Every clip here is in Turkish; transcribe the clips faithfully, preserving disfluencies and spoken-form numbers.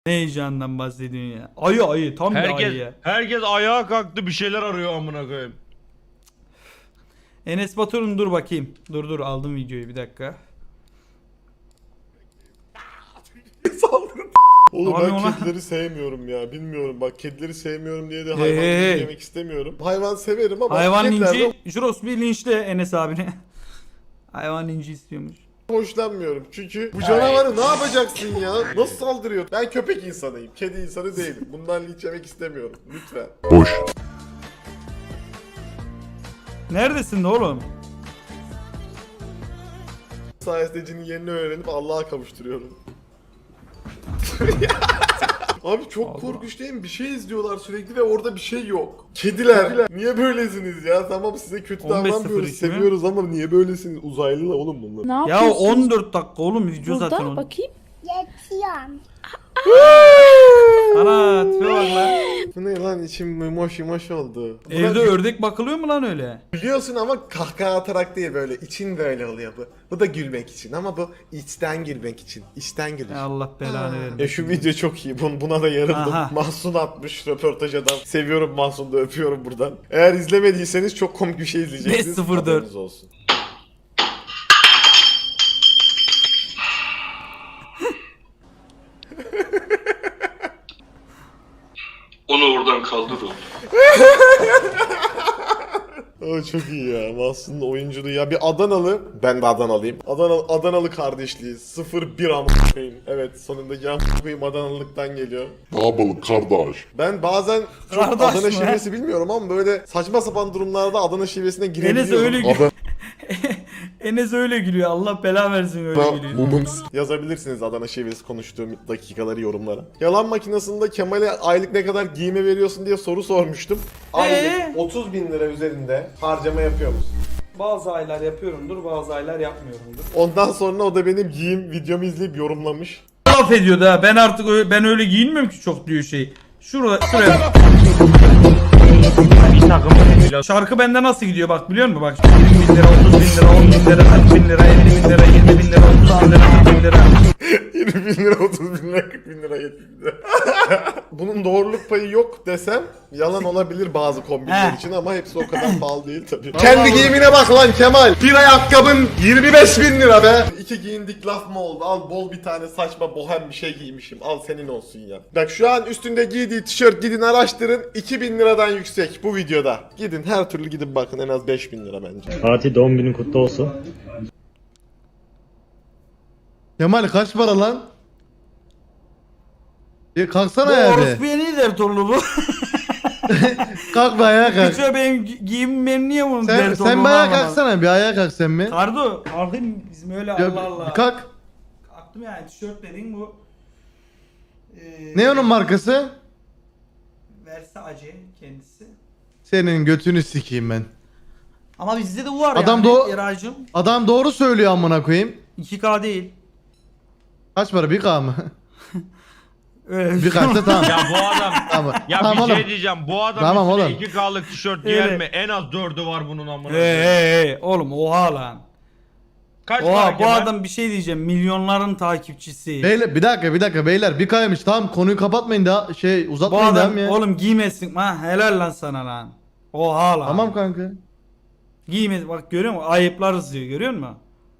Ne heyecandan bahsediyorsun ya? Ayı ayı tam bir Herkes, ayı ya. herkes ayağa kalktı bir şeyler arıyor amına koyayım. Enes Batur'un dur bakayım. Dur dur aldım videoyu bir dakika. Oğlum Abi ben ona- kedileri sevmiyorum ya. Bilmiyorum bak kedileri sevmiyorum diye de Hey, hayvan hey, hey. yemek istemiyorum. Hayvan severim ama Hayvan kedilerden linci. Juros bir linçle Enes abine. Hayvan linci istiyormuş. hoşlanmıyorum. Çünkü bu canavarı ne yapacaksın ya? Nasıl saldırıyor? Ben köpek insanıyım. Kedi insanı değilim. Bundan linç yemek istemiyorum. Lütfen. Neredesin de oğlum? Sayesinde cinin yerini öğrenip Allah'a kavuşturuyorum. Abi çok Allah. korkunç değil mi? Bir şey izliyorlar sürekli ve orada bir şey yok. Kediler, niye böylesiniz ya? Tamam size kötü on beş sıfır davranmıyoruz, iki mi? seviyoruz ama niye böylesiniz? Uzaylılar oğlum bunlar. Ne Ya yapıyorsun? on dört dakika oğlum video Burada zaten oğlum. bakayım. Yatıyorum. Ana tipe bak lan. Bu ne lan içim yumuş yumuş oldu. Buna Evde ördek bakılıyor mu lan öyle? gülüyorsun ama kahkaha atarak değil böyle için böyle oluyor bu. Bu da gülmek için ama bu içten gülmek için. İçten gülüş. Ya Allah belanı E vermesin. şu video çok iyi. Bun- Buna da yarıldım. Aha. Mahsun atmış röportaj adam. Seviyorum Mahsun'u da öpüyorum buradan. Eğer izlemediyseniz çok komik bir şey izleyeceksiniz. beş sıfır dört. Haberiniz olsun. Onu oradan kaldır oğlum. Aa, çok iyi ya. Mahsun'un oyunculuğu ya. Bir Adanalı. Ben de Adanalıyım. Adanalı, Adanalı kardeşliği. sıfır bir amına koyayım. Evet sonundaki amına koyayım Adanalılıktan geliyor. Ne yapalım kardeş? Ben bazen çok Kardeş Adana mi? şivesi bilmiyorum ama böyle saçma sapan durumlarda Adana şivesine Enes girebiliyorum. öyle gülüyor. Enes öyle gülüyor. Allah bela versin öyle Adana gülüyor. Moments. Yazabilirsiniz Adana şivesi konuştuğum dakikaları yorumlara. Yalan makinesinde Kemal'e aylık ne kadar giyime veriyorsun diye soru sormuştum. Aylık Ee? otuz bin lira üzerinde harcama yapıyor musun? Bazı aylar yapıyorumdur, bazı aylar yapmıyorumdur. Ondan sonra o da benim giyim videomu izleyip yorumlamış. Laf ediyordu ha. Ben artık öyle, ben öyle giyinmiyorum ki çok diyor şey. Şurada şuraya. Bir takım biraz Şarkı bende nasıl gidiyor bak biliyor musun? Bak yirmi bin lira, otuz bin lira, on bin lira, kırk bin lira, elli bin lira, yirmi bin lira, otuz bin lira, kırk bin lira. yirmi bin lira, otuz bin lira, kırk bin lira, yetmiş bin lira. Bunun doğruluk payı yok desem yalan olabilir bazı kombinler He. için ama hepsi o kadar pahalı değil tabii. Kendi giyimine bak lan Kemal. Bir ayakkabın yirmi beş bin lira be. İki giyindik laf mı oldu? Al bol bir tane saçma bohem bir şey giymişim. Al senin olsun ya. Bak şu an üstünde giydiği tişört gidin araştırın. iki bin liradan yüksek bu videoda. Gidin her türlü gidin bakın en az beş bin lira bence. Fatih doğum günün kutlu olsun. Kemal kaç para lan? E Bu kalksana ya be. orospuya ne der torlu bu? Kalk be ayağa kalk. Küçüğe benim gi- giyimim benim niye bunun Sen, der torlu? sen bir ayağa kalksana bir ayağa kalk sen mi? Kardo, kalkayım bizim öyle Ya, Allah Allah. bir kalk. Kalktım yani tişört dediğin bu. Ee, Ne onun markası? Versace kendisi. Senin götünü sikeyim ben. Ama bizde de bu var Adam yani doğ- Eraycığım. Adam doğru söylüyor amına koyayım. iki K değil. Kaç para bir K mı? Öyle bir kaçta tamam. Ya bu adam Tamam. ya tamam bir oğlum. şey diyeceğim. Bu adam Tamam üstüne oğlum. iki K'lık tişört giyer Öyle. mi? En az dördü var bunun amına. Hey hey hey oğlum oha lan. Kaç Oha para bu Kemal? adam bir şey diyeceğim milyonların takipçisi. Beyler bir dakika bir dakika beyler bir K'ymış tamam konuyu kapatmayın daha şey Bu uzatmayın adam devam ya. oğlum giymesin ha helal lan sana lan. Oha lan. Tamam kanka. Giyme bak görüyor musun? Ayıplarız diyor görüyor musun?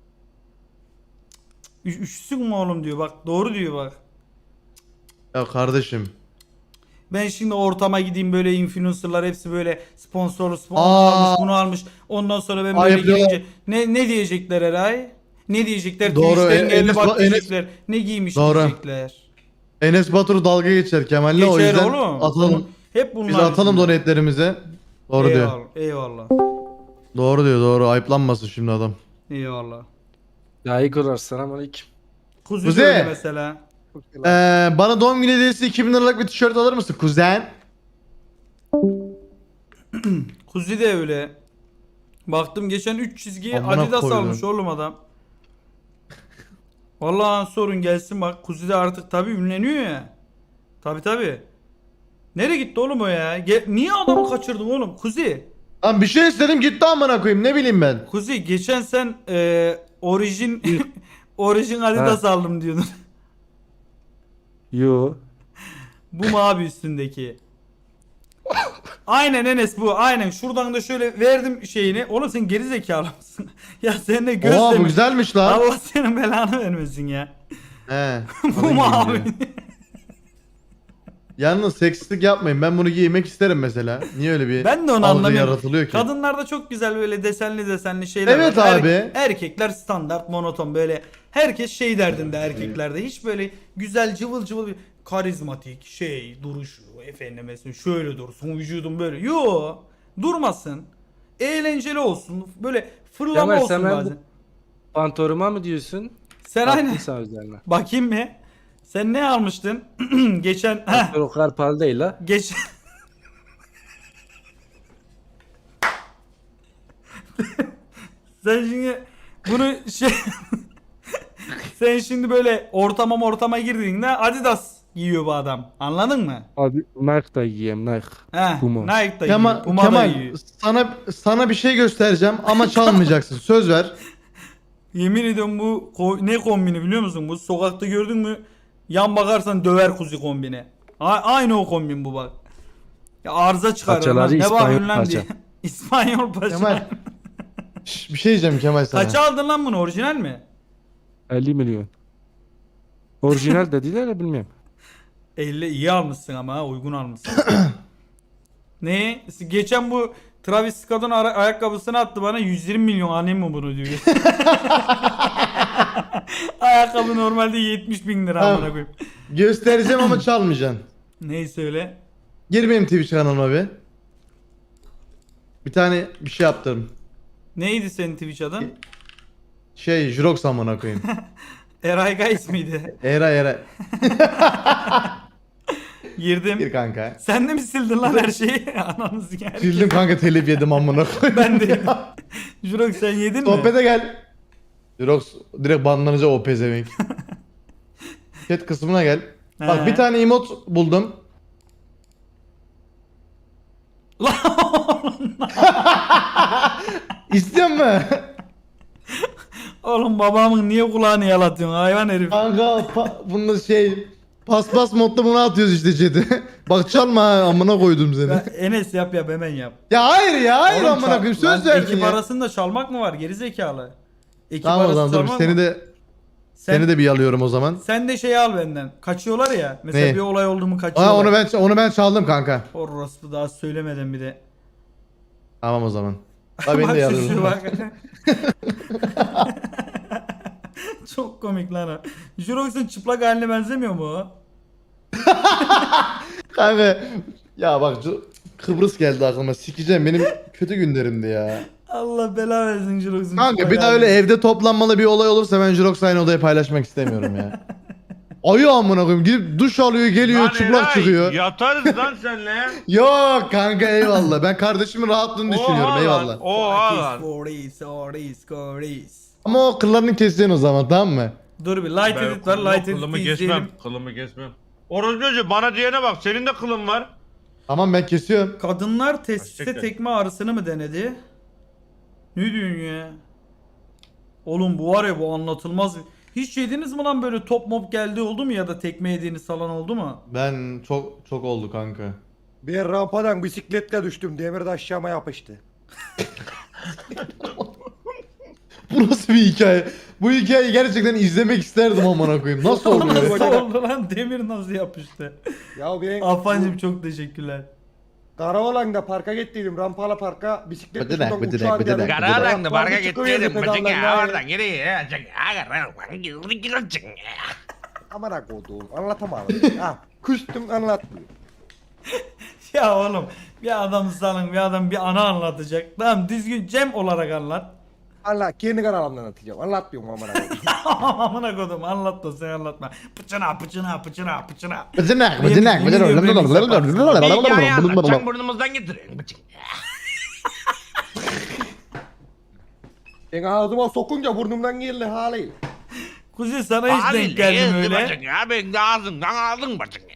Üç, üşüsün mü oğlum diyor bak doğru diyor bak. Ya kardeşim. Ben şimdi ortama gideyim böyle influencerlar hepsi böyle sponsorlu sponsor Aa. almış bunu almış. Ondan sonra ben böyle Ayıp diyorlar. giyince ne ne diyecekler Eray? Ne diyecekler? Doğru, Twitch'ten En- geldi Enes bak Ba- Enes- diyecekler. Ne giymiş Doğru. diyecekler. Enes Batur dalga geçer Kemal'le o Geçer yüzden oğlum. atalım. Hep bunlar. Biz atalım yüzünden. donetlerimize. Doğru diyor. Eyvallah, eyvallah. Doğru diyor doğru ayıplanmasın şimdi adam. Eyvallah. Layık olur. Selamünaleyküm. Kuzu Kuzey. öyle mesela. Ee, bana doğum günü hediyesi iki bin liralık bir tişört alır mısın kuzen? Kuzu de öyle. Baktım geçen üç çizgi Amına Adidas koydum. almış oğlum adam. Vallahi sorun gelsin bak. Kuzu de artık tabi ünleniyor ya. Tabi tabi. Nereye gitti oğlum o ya? Ge- Niye adamı kaçırdın oğlum? Kuzi. Lan bir şey istedim gitti amına koyayım ne bileyim ben. Kuzi geçen sen e, orijin orijin Adidas aldım diyordun. Yo. Bu mu abi üstündeki? Aynen Enes bu. Aynen. Şuradan da şöyle verdim şeyini. Oğlum sen geri zekalı mısın? Ya sen de göz Oha bu deme- güzelmiş lan. Allah senin belanı vermesin ya. He. Bu mu abi? Yalnız seksistlik yapmayın. Ben bunu giymek isterim mesela. Niye öyle bir Ben de onu algı anlamıyorum. yaratılıyor ki? Kadınlarda çok güzel böyle desenli desenli şeyler Evet var. Er- abi. erkekler standart monoton böyle. Herkes şey derdinde erkeklerde. Hiç böyle güzel cıvıl cıvıl bir karizmatik şey duruşu efendime söyleyeyim, şöyle dursun vücudum böyle. Yo durmasın. Eğlenceli olsun. Böyle fırlama Kemal, olsun sen ben bu- bazen. Pantoruma mı diyorsun? Sen aynen. Baktıysan üzerine. Bakayım mı? Sen ne almıştın? Geçen heh, Pantor o kadar pahalı değil ha. geç Sen şimdi bunu şey sen şimdi böyle ortama ortama girdiğinde Adidas giyiyor bu adam. Anladın mı? Abi Nike da giyeyim Nike. He. Puma. Nike da Kemal, giyiyor. Puma da Kemal giyiyor. sana sana bir şey göstereceğim ama çalmayacaksın. Söz ver. Yemin ediyorum bu ko- ne kombini biliyor musun? Bu sokakta gördün mü? Yan bakarsan döver kuzu kombini. A- aynı o kombin bu bak. Ya arıza çıkarır lan. Paçaları Ne İspanyol bakıyorsun lan paça. diye. İspanyol paça. Kemal. Şş, bir şey diyeceğim Kemal sana. Kaça aldın lan bunu? Orijinal mi? elli milyon. Orijinal dediler ya bilmiyorum. elli iyi almışsın ama ha, uygun almışsın. Ne? Geçen bu Travis Scott'un ara- ayakkabısını attı bana yüz yirmi milyon alayım mı bunu diyor. Ayakkabı normalde yetmiş bin lira Tamam. amına koyayım. Göstereceğim ama çalmayacaksın. Neyse öyle. Gir benim Twitch kanalıma bir. Bir tane bir şey yaptım. Neydi senin Twitch adın? Şey Jurox amına koyayım. Eray Guys miydi? Era era. Girdim. Gir kanka. Sen de mi sildin lan her şeyi? Ananızı gel. Sildim kanka telif yedim amına koyayım. Ben de. Jurok sen yedin mi? Sohbete gel. Jurox direkt banlanacak o pezevenk. Chat kısmına gel. Bak He. bir tane emot buldum. İstiyor musun? Oğlum babamın niye kulağını yalatıyorsun hayvan herif? Kanka pa- bunda şey paspas modda bunu atıyoruz işte chat'e. Bak çalma ha, amına koydum seni. Ben- Enes yap yap hemen yap. Ya hayır ya hayır Oğlum amına çal- koyayım Lan söz verdin ekip ya. arasında çalmak mı var geri zekalı? Ekip Tamam o arası zaman dur çalmak seni mı? de Sen, seni de bir alıyorum o zaman. sen de şeyi al benden. Kaçıyorlar ya. Mesela Ne? bir olay oldu mu kaçıyorlar. Aa onu ben onu ben çaldım kanka. Orospu daha söylemeden bir de. Tamam o zaman. Ha beni Bak de şu- şu alıyorum. bak. Çok komik lan o. Jurox'un çıplak haline benzemiyor mu o? Kanka ya bak şu- Kıbrıs geldi aklıma. Sikeceğim benim kötü günlerimdi ya. Allah bela versin Jurox'un Kanka çıplak bir daha haline. öyle evde toplanmalı bir olay olursa ben Jurox aynı odayı paylaşmak istemiyorum ya. Ayı amına koyayım gidip duş alıyor geliyor Lan çıplak Eray, çıkıyor. Yatarız lan senle. Yok kanka eyvallah. Ben kardeşimin rahatlığını düşünüyorum Oha eyvallah. lan. Oha Kiss lan. for this, for this, for this. Ama o kıllarını keseceksin o zaman tamam mı? Dur bir light Ben edit var kılımı- light kılımı edit kesmem. izleyelim. Kılımı kesmem. Orospu bana diyene bak senin de kılın var. Tamam ben kesiyorum. Kadınlar testiste Gerçekten. tekme ağrısını mı denedi? Ne diyorsun ya? Oğlum bu var ya bu anlatılmaz. Hiç yediniz mi lan böyle top mop geldi oldu mu ya da tekme yediğiniz falan oldu mu? Ben çok çok oldu kanka. Bir rampadan bisikletle düştüm. Demir de aşağıma yapıştı. Bu nasıl bir hikaye? Bu hikayeyi gerçekten izlemek isterdim amına koyayım. Nasıl Oğlum oluyor? nasıl ya? oldu lan demir nasıl yapıştı? Ya ben Afancım çok teşekkürler. Karaoğlan'da parka gittiydim. Rampalı parka bisikletle Bıdınak, şuradan bıdınak, uçağa bıdınak, giderdim. bıdınak. Karadan da barga Parka çıkıverdi gittim. Bıcık ya pedallarla. oradan geriye. Amına koduğum anlatamadım. ha, küstüm anlatmıyor. Ya oğlum bir adam salın bir adam bir ana anlatacak. Tamam düzgün Cem olarak anlat. Allah kendi kanalımdan anlatacağım. Anlatmıyorum amına koduğum. Amına kodum anlat da sen anlatma. Pıçına pıçına pıçına pıçına. Bıdınak Yemin- bıdınak yemin ediyorum beni yaparsın. Hikaye anlat. Sen bıdınak. burnumuzdan getirin. Bıcık. Ben ağzıma sokunca burnumdan geldi haliyle. Kuzey sana hiç denk geldim öyle. Bıcık ya ben de ağzımdan aldın bıcık ya.